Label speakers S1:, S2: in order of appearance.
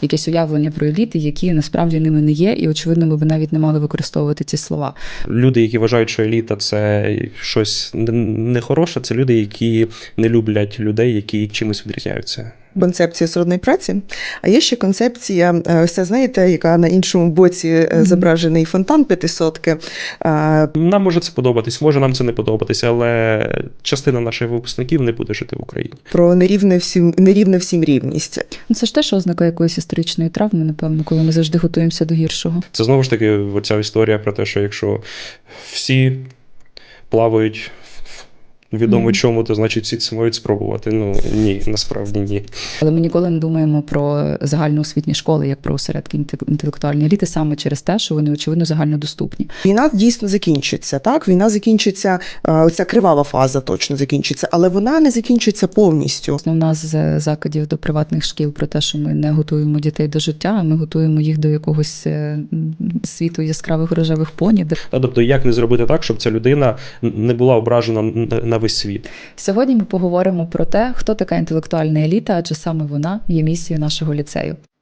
S1: якесь уявлення про еліти, які насправді ними не є, і очевидно, ми б навіть не мали використовувати ці слова.
S2: Люди, які вважають, що еліта – це щось нехороше, це люди, які не люблять людей, які чимось відрізняються.
S3: Концепція сродної праці, а є ще концепція, ось це, знаєте, яка на іншому боці зображений фонтан п'ятисотки.
S2: Нам може це подобатись, може нам це не подобатися, але частина наших випускників не буде жити в Україні.
S3: Про нерівне всім рівність.
S1: Це ж теж ознака якоїсь історичної травми, напевно, коли ми завжди готуємося до гіршого.
S2: Це знову ж таки оця історія про те, що якщо всі плавають відомо чому, то значить всі це мають спробувати. Ну ні, насправді ні.
S1: Але ми ніколи не думаємо про загальноосвітні школи, як про осередки інтелектуальної еліти, саме через те, що вони, очевидно, загальнодоступні.
S3: Війна дійсно закінчиться, так? Війна закінчиться, оця кривава фаза точно закінчиться, але вона не закінчиться повністю.
S1: Основна з закидів до приватних шкіл про те, що ми не готуємо дітей до життя, а ми готуємо їх до якогось світу яскравих рожевих поні.
S2: Тобто, як не зробити так, щоб ця людина не була ображена на весь світ?
S1: Сьогодні ми поговоримо про те, хто така інтелектуальна еліта, адже саме вона є місією нашого ліцею.